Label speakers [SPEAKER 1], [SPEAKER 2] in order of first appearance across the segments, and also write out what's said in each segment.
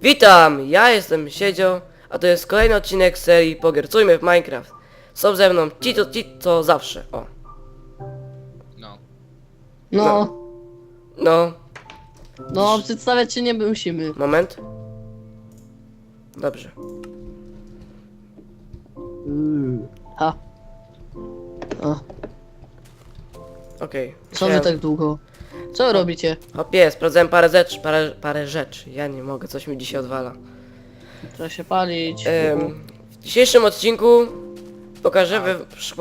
[SPEAKER 1] Witam, ja jestem Siedzio, a to jest kolejny odcinek serii Pogiercujmy w Minecraft. Są ze mną ci co zawsze, o.
[SPEAKER 2] No.
[SPEAKER 1] No,
[SPEAKER 3] No, przedstawiać się nie musimy.
[SPEAKER 1] moment. Dobrze.
[SPEAKER 3] Ha. O,
[SPEAKER 1] Okej.
[SPEAKER 3] co wy tak długo? Co robicie?
[SPEAKER 1] Hopie, sprawdzałem parę rzeczy. Ja nie mogę, coś mi dzisiaj odwala.
[SPEAKER 3] Trzeba się palić.
[SPEAKER 1] W dzisiejszym odcinku pokażemy...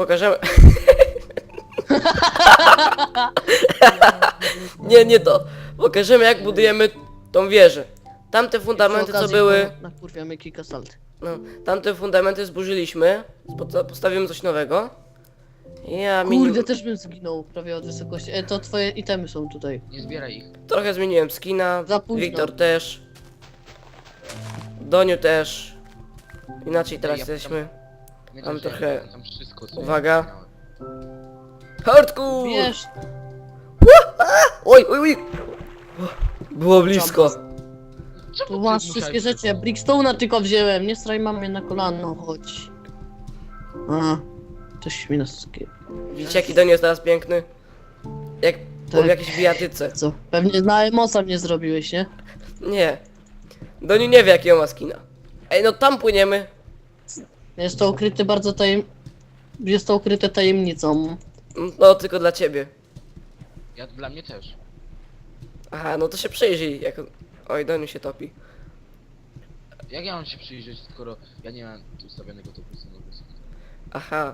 [SPEAKER 1] nie to. Pokażemy jak budujemy tą wieżę. Tamte fundamenty
[SPEAKER 3] Przy
[SPEAKER 1] co
[SPEAKER 3] okazji
[SPEAKER 1] były...
[SPEAKER 3] Nakurwiamy kilka salt.
[SPEAKER 1] No, tamte fundamenty zburzyliśmy. Postawimy coś nowego. Ja
[SPEAKER 3] Kurde, też bym zginął prawie od wysokości. To twoje itemy są tutaj.
[SPEAKER 2] Nie zbieraj ich.
[SPEAKER 1] trochę zmieniłem skina.
[SPEAKER 3] Za późno.
[SPEAKER 1] Wiktor też. Doniu też. Inaczej teraz
[SPEAKER 2] Ja
[SPEAKER 1] jesteśmy.
[SPEAKER 2] Mnie
[SPEAKER 1] Mam
[SPEAKER 2] też
[SPEAKER 1] trochę-
[SPEAKER 2] tam wszystko co
[SPEAKER 1] Uwaga.
[SPEAKER 2] ja miałem.
[SPEAKER 1] Hardcore!
[SPEAKER 3] Wiesz,
[SPEAKER 1] Oj. Było blisko.
[SPEAKER 2] Czemu
[SPEAKER 3] tu
[SPEAKER 2] ty
[SPEAKER 3] masz
[SPEAKER 2] musiałeś
[SPEAKER 3] wszystkie rzeczy. Ja
[SPEAKER 2] tylko-
[SPEAKER 3] Brickstone'a tylko wziąłem. Nie straj mamie na kolano, chodź. A, coś mi nas...
[SPEAKER 1] Widzicie jaki Doniu jest teraz piękny? Jak
[SPEAKER 3] Tak.
[SPEAKER 1] w jakiejś bijatyce.
[SPEAKER 3] Co? Pewnie na emosa mnie zrobiłeś, nie?
[SPEAKER 1] Nie. Doniu nie wie jakiego ma skina. Ej, no tam płyniemy.
[SPEAKER 3] Jest to ukryte bardzo Jest to ukryte tajemnicą.
[SPEAKER 1] No tylko dla ciebie.
[SPEAKER 2] Dla mnie też.
[SPEAKER 1] Aha, no to się przyjrzyj. Jak... Oj, Doniu się topi.
[SPEAKER 2] Jak ja mam się przyjrzeć, skoro ja nie mam tu ustawionego to pulsowego skina?
[SPEAKER 1] Aha.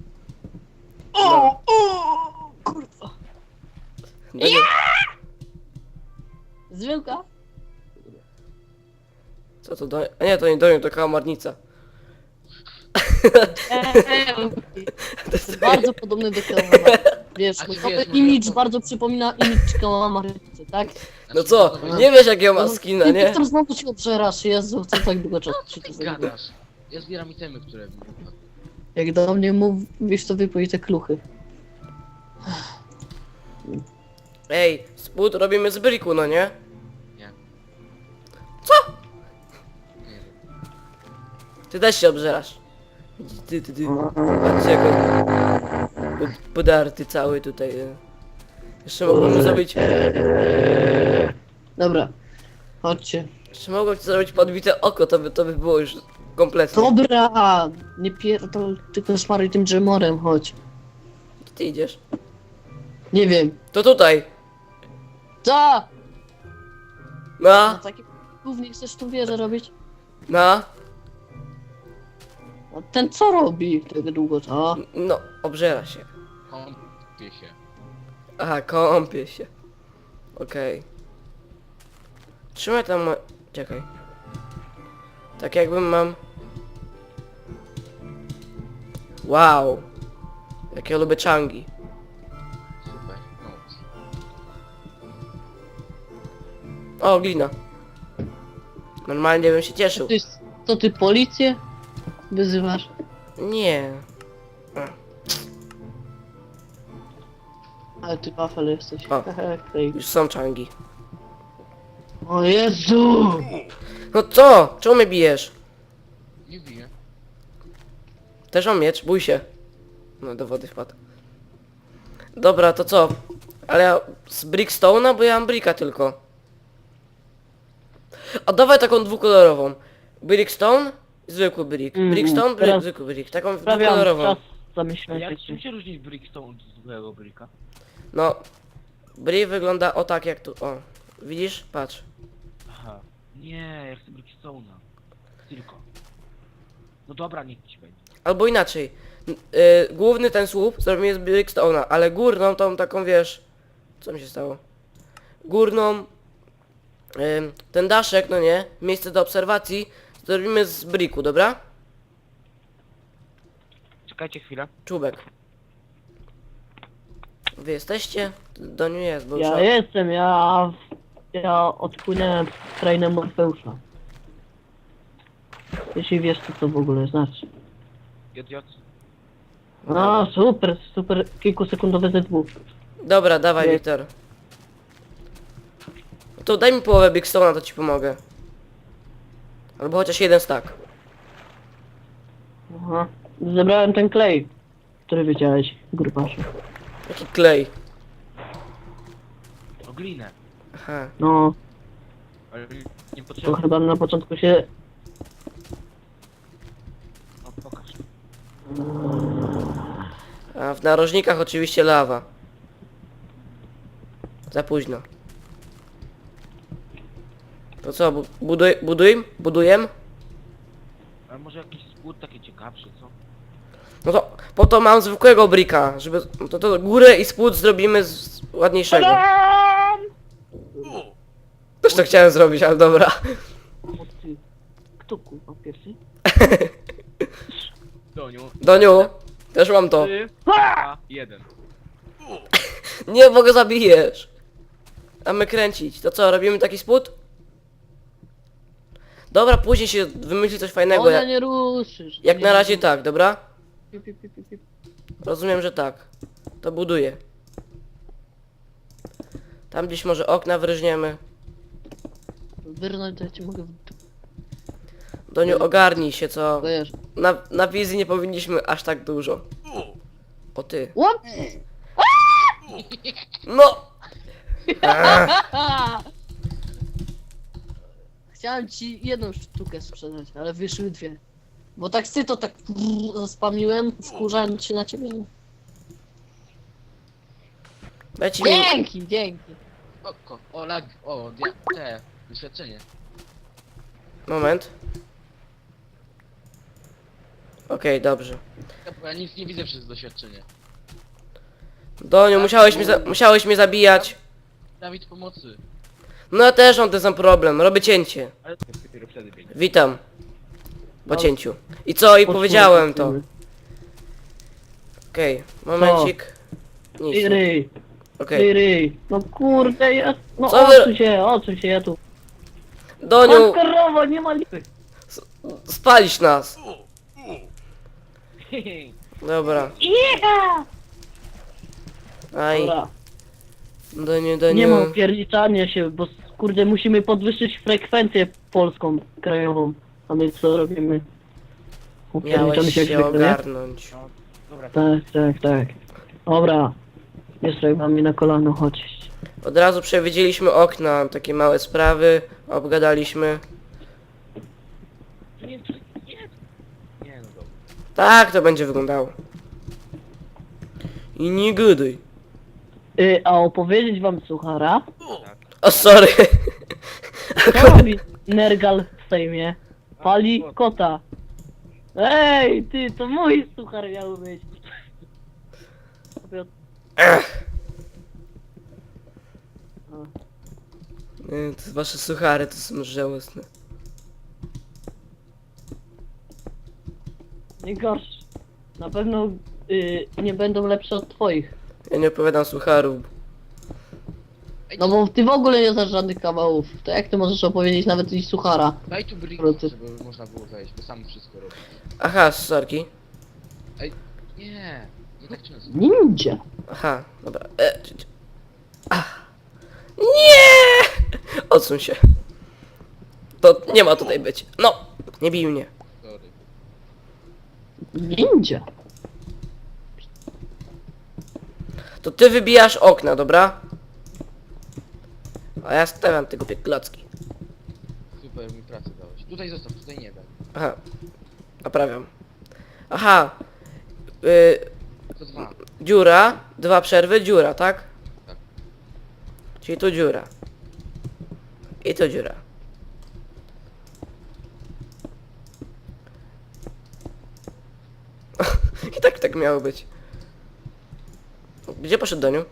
[SPEAKER 3] O, kurwa.
[SPEAKER 1] Doniu...
[SPEAKER 3] Zwyłka?
[SPEAKER 1] Co to Doniu? A nie, to nie Doniu, to kałamarnica. To jest...
[SPEAKER 3] Bardzo podobny do Kalamara. Wiesz,
[SPEAKER 2] A ty
[SPEAKER 3] nowy
[SPEAKER 2] wiesz,
[SPEAKER 3] imidż
[SPEAKER 2] może-
[SPEAKER 3] bardzo przypomina imidż Kalamarycy, tak?
[SPEAKER 1] No co? Nie wiesz jakiego ma skina,
[SPEAKER 3] Ty
[SPEAKER 1] nie?
[SPEAKER 3] tam znowu się obżerasz, Jezu, co tak długo czasu
[SPEAKER 2] Co
[SPEAKER 3] ci to
[SPEAKER 2] ty
[SPEAKER 3] zajmuje?
[SPEAKER 2] gadasz? Ja zbieram itemy, które mi wypadły.
[SPEAKER 3] Jak do mnie mówisz, to wypój te kluchy.
[SPEAKER 1] Ej, spód robimy z briku, no nie?
[SPEAKER 2] Nie.
[SPEAKER 1] Co?
[SPEAKER 2] Nie wiem.
[SPEAKER 1] Ty też się obżerasz. Ty. Patrzcie jak on... Podarty cały tutaj. Jeszcze mogłem zrobić...
[SPEAKER 3] Dobra, chodźcie.
[SPEAKER 1] Jeszcze mogłem ci zrobić podbite oko, to by było już kompletnie.
[SPEAKER 3] Dobra, nie pierdol, tylko smaruj tym dżemorem, chodź.
[SPEAKER 1] Gdzie ty idziesz?
[SPEAKER 3] Nie wiem.
[SPEAKER 1] To tutaj.
[SPEAKER 3] Co? Na
[SPEAKER 1] Na,
[SPEAKER 3] taki głównie chcesz tu wieżę robić?
[SPEAKER 1] na.
[SPEAKER 3] A ten co robi tak długo, co?
[SPEAKER 1] No, obżera się.
[SPEAKER 2] Kąpię się.
[SPEAKER 1] Aha, kąpie się. Okej. Trzymaj tam... Czekaj. Tak jakbym mam... Wow. Jak ja lubię changi.
[SPEAKER 2] Super. No.
[SPEAKER 1] O, glina. Normalnie bym się cieszył.
[SPEAKER 3] To ty policję wyzywasz?
[SPEAKER 1] Nie.
[SPEAKER 3] Ale ty wafel jesteś.
[SPEAKER 1] O.
[SPEAKER 3] Hej.
[SPEAKER 1] Już są changi.
[SPEAKER 3] O Jezu!
[SPEAKER 1] No co? Czemu mnie bijesz?
[SPEAKER 2] Nie biję.
[SPEAKER 1] Też mam miecz, bój się. No do wody wpadł. Dobra, to co? Ale ja z brickstone'a, bo ja mam bricka tylko. A dawaj taką dwukolorową. Brickstone, zwykły brick. Brickstone,
[SPEAKER 3] teraz
[SPEAKER 1] zwykły brick. Taką
[SPEAKER 3] Sprawiam
[SPEAKER 1] dwukolorową.
[SPEAKER 3] czas zamyślenia
[SPEAKER 4] Jak
[SPEAKER 3] się.
[SPEAKER 4] czym się różni Brickstone od zwykłego bricka?
[SPEAKER 1] No. Brick wygląda o tak jak tu. O. Widzisz? Patrz.
[SPEAKER 4] Aha. Nie, ja chcę Brickstone'a. Tylko. No dobra, niech ci będzie.
[SPEAKER 1] Albo inaczej. Główny ten słup zrobimy z brickstone'a, ale górną tą taką wiesz. Co mi się stało? Górną. Ten daszek, no nie? Miejsce do obserwacji zrobimy z bricku, dobra?
[SPEAKER 4] Czekajcie chwilę.
[SPEAKER 1] Czubek. Wy jesteście? Doniu jest, bo już...
[SPEAKER 3] Ja jestem, ja odpłynąłem w krainę Morfeusza. Jeśli wiesz co to w ogóle znaczy.
[SPEAKER 4] JJ.
[SPEAKER 3] No super, kilkusekundowe ZW.
[SPEAKER 1] Dobra, dawaj
[SPEAKER 3] Nie.
[SPEAKER 1] Wiktor. To daj mi połowę brickstone'a, to ci pomogę. Albo chociaż jeden stack.
[SPEAKER 3] Aha. Zebrałem ten klej, który wiedziałeś, grupaszu.
[SPEAKER 1] Jaki klej.
[SPEAKER 4] O glinę.
[SPEAKER 1] Aha.
[SPEAKER 3] No,
[SPEAKER 4] Ale nie
[SPEAKER 3] to
[SPEAKER 4] potrzeba.
[SPEAKER 3] chyba na początku się...
[SPEAKER 4] No pokaż.
[SPEAKER 1] A w narożnikach oczywiście lawa. Za późno. To co, budujem?
[SPEAKER 4] Ale może jakiś spód taki ciekawszy, co?
[SPEAKER 1] No to po to mam zwykłego brika, żeby to górę i spód zrobimy z ładniejszego. Też to chciałem zrobić, ale dobra.
[SPEAKER 3] O ty, kto kurwa pierwszy?
[SPEAKER 4] Doniu.
[SPEAKER 1] Doniu, też mam to.
[SPEAKER 4] 3, 2, 1.
[SPEAKER 1] Nie, bo go zabijesz. A my kręcić. To co, robimy taki spód? Dobra, później się wymyśli coś fajnego.
[SPEAKER 3] Ona nie ruszysz.
[SPEAKER 1] Jak na razie tak, dobra?
[SPEAKER 3] Pip, pip, pip, pip.
[SPEAKER 1] Rozumiem, że tak. To buduję. Tam gdzieś może okna wryżniemy.
[SPEAKER 3] Wyrnąć to ja ci mogę...
[SPEAKER 1] Doniu, ogarnij się, co?
[SPEAKER 3] Wiesz.
[SPEAKER 1] Na wizji nie powinniśmy aż tak dużo. O ty.
[SPEAKER 3] Łap!
[SPEAKER 1] No!
[SPEAKER 3] Chciałem ci jedną sztukę sprzedać, ale wyszły dwie. Bo tak ty to tak spamiłem, wkurzając się na ciebie.
[SPEAKER 1] Dajcie mi...
[SPEAKER 3] Dzięki, dzięki.
[SPEAKER 2] Oko, o lag, o, te, doświadczenie.
[SPEAKER 1] Moment. Okej, dobrze.
[SPEAKER 2] Ja nic nie widzę przez doświadczenie.
[SPEAKER 1] Doniu, musiałeś mnie zabijać.
[SPEAKER 2] Dawid pomocy.
[SPEAKER 1] No ja też mam ten sam problem, robię cięcie.
[SPEAKER 4] Ale dopiero wtedy biegnie.
[SPEAKER 1] Witam. Po cięciu. I co? I powiedziałem to. Okej, momencik. Nic.
[SPEAKER 3] Ryj,
[SPEAKER 1] Okej.
[SPEAKER 3] ryj. No kurde, ja... No
[SPEAKER 1] Co wy-
[SPEAKER 3] odsuń się, ja tu.
[SPEAKER 1] Doniu,
[SPEAKER 3] Maskarowo, nie ma lipy.
[SPEAKER 1] spalić nas. Dobra.
[SPEAKER 3] Yeah!
[SPEAKER 1] Aj.
[SPEAKER 3] Dobra,
[SPEAKER 1] Doniu,
[SPEAKER 3] nie ma
[SPEAKER 1] Doniu.
[SPEAKER 3] pierniczania się, bo kurde musimy podwyższyć frekwencję polską, krajową. A my co robimy? Upierniczamy
[SPEAKER 1] Miałeś
[SPEAKER 3] jak
[SPEAKER 1] się
[SPEAKER 3] zwykle, nie?
[SPEAKER 1] ogarnąć.
[SPEAKER 4] No, dobra.
[SPEAKER 3] Tak. Dobra. Nie straj mam mi na kolano, chodź.
[SPEAKER 1] Od razu przewidzieliśmy okna, takie małe sprawy, obgadaliśmy.
[SPEAKER 4] Nie, nie. Nie, no dobra.
[SPEAKER 1] Tak to będzie wyglądało. I nie gadaj.
[SPEAKER 3] A opowiedzieć wam suchara?
[SPEAKER 1] O, sorry.
[SPEAKER 3] Co robi Nergal w Sejmie? Pali kota. Ej, ty, to mój suchar miał być.
[SPEAKER 1] Ech. Nie, to wasze suchary to są żałosne.
[SPEAKER 3] Nie gorsz. Na pewno nie będą lepsze od twoich.
[SPEAKER 1] Ja nie opowiadam sucharów.
[SPEAKER 2] Ej,
[SPEAKER 3] No bo ty w ogóle nie znasz żadnych kawałów. To jak ty możesz opowiedzieć nawet i suchara?
[SPEAKER 2] daj tu brick,
[SPEAKER 3] Wrócę.
[SPEAKER 2] żeby można było wejść, bo sam wszystko robi.
[SPEAKER 1] Aha, sorki.
[SPEAKER 2] Nie, nie tak często.
[SPEAKER 3] Ninja.
[SPEAKER 1] Aha, dobra. Ach. Nie! Odsuń się. To nie ma tutaj być. No, nie bij mnie.
[SPEAKER 2] Sorry.
[SPEAKER 3] Ninja.
[SPEAKER 1] To ty wybijasz okna, dobra? A ja stawiam tego klocki.
[SPEAKER 2] Super mi pracę dałeś. Tutaj zostaw, tutaj nie daj.
[SPEAKER 1] Aha. Naprawiam. Aha.
[SPEAKER 2] To dwa.
[SPEAKER 1] Dziura, 2 przerwy, dziura, tak?
[SPEAKER 2] Tak.
[SPEAKER 1] Czyli tu dziura. I tu dziura. I tak miało być. Gdzie poszedł Doniu?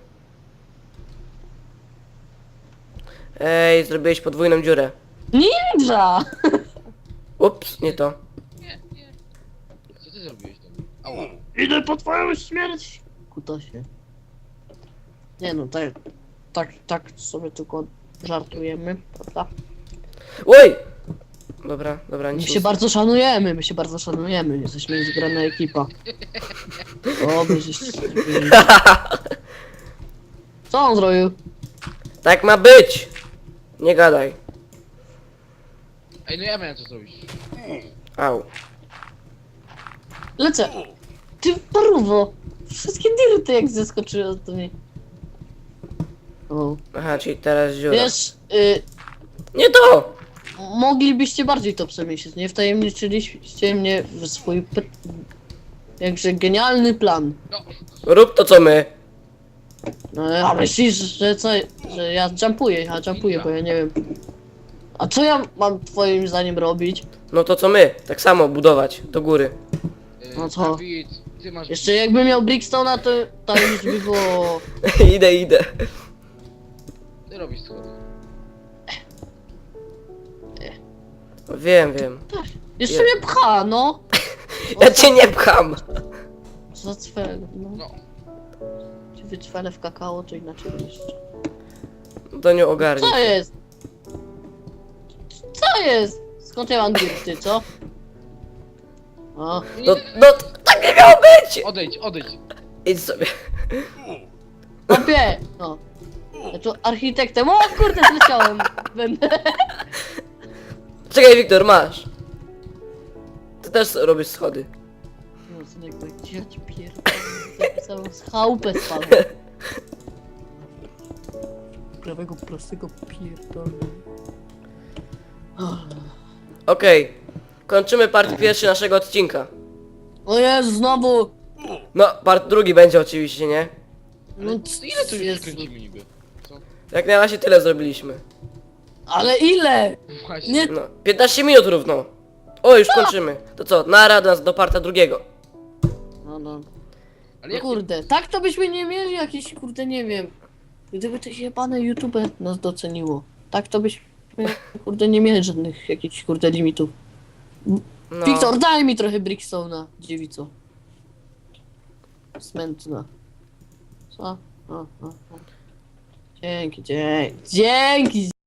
[SPEAKER 1] Ej, zrobiłeś podwójną dziurę.
[SPEAKER 3] Ninja!
[SPEAKER 1] Ups, nie to.
[SPEAKER 2] Nie. Co ty zrobiłeś tam? Ała.
[SPEAKER 3] Idę po twoją śmierć! Kutasie. Nie no, tak sobie tylko żartujemy, prawda?
[SPEAKER 1] Oj! Dobra,
[SPEAKER 3] My
[SPEAKER 1] nic
[SPEAKER 3] się
[SPEAKER 1] nie...
[SPEAKER 3] bardzo szanujemy, jesteśmy zgrana ekipa. Dobrze, żeście zrobili. Co on zrobił?
[SPEAKER 1] Tak ma być! Nie gadaj.
[SPEAKER 2] Ej, no ja miałem co zrobić.
[SPEAKER 1] Au.
[SPEAKER 3] Lecę. Ty paruwo. Wszystkie dirty jak zeskoczyły od mnie. O.
[SPEAKER 1] Aha, czyli teraz dziura.
[SPEAKER 3] Wiesz,
[SPEAKER 1] Nie to!
[SPEAKER 3] moglibyście bardziej to przemyśleć, nie? Wtajemniczyliście mnie w swój jakże genialny plan.
[SPEAKER 2] No,
[SPEAKER 1] Rób to co my.
[SPEAKER 3] No, a myślisz, że co, że ja jumpuję, bo ja nie wiem. A co ja mam twoim zdaniem robić?
[SPEAKER 1] No to co my. Tak samo budować. Do góry.
[SPEAKER 3] No co?
[SPEAKER 2] Dawid, ty masz...
[SPEAKER 3] Jeszcze jakbym miał Brickstone'a, to tam już by było...
[SPEAKER 1] Idę.
[SPEAKER 2] Ty robisz schody.
[SPEAKER 1] Wiem.
[SPEAKER 3] Jeszcze
[SPEAKER 1] Je-
[SPEAKER 3] mnie pcha, no!
[SPEAKER 1] Ja cię nie pcham.
[SPEAKER 3] Za cwel, no.
[SPEAKER 2] No.
[SPEAKER 3] Czy wy cwele w kakao, czy inaczej jeszcze?
[SPEAKER 1] To nie ogarnij.
[SPEAKER 3] Co jest? Co jest? Skąd ja mam dirty, co? O,
[SPEAKER 1] No, tak nie miało być!
[SPEAKER 2] Odejdź.
[SPEAKER 1] Idź sobie.
[SPEAKER 3] opie! No. Ja tu architektem, o kurde, zleciałem! Będę.
[SPEAKER 1] Czekaj, Wiktor, masz. Ty też robisz schody.
[SPEAKER 3] No, synek, gdzie ja ci pierdolę? Całą chałupę spadłem. Prawego, prostego pierdolę.
[SPEAKER 1] Okej. Kończymy part pierwszy naszego odcinka.
[SPEAKER 3] O Jezu, znowu!
[SPEAKER 1] No, part drugi będzie oczywiście, nie?
[SPEAKER 3] No,
[SPEAKER 2] Ile tu już
[SPEAKER 3] Jezu.
[SPEAKER 2] kręcimy niby? Co?
[SPEAKER 1] Jak na razie tyle zrobiliśmy.
[SPEAKER 3] Ale ile?
[SPEAKER 2] Właśnie.
[SPEAKER 3] Nie,
[SPEAKER 1] No, 15 minut równo. O, już kończymy. To co, nara do parta drugiego.
[SPEAKER 3] no.
[SPEAKER 2] Ale jak...
[SPEAKER 3] Kurde, tak to byśmy nie mieli jakieś, kurde, nie wiem. Gdyby to jebane YouTube nas doceniło. Tak to byśmy, kurde, nie mieli żadnych jakichś, kurde, limitów.
[SPEAKER 1] No.
[SPEAKER 3] Wiktor, daj mi trochę Brickstone'a, dziewico. Smętna. Co? O. Dzięki.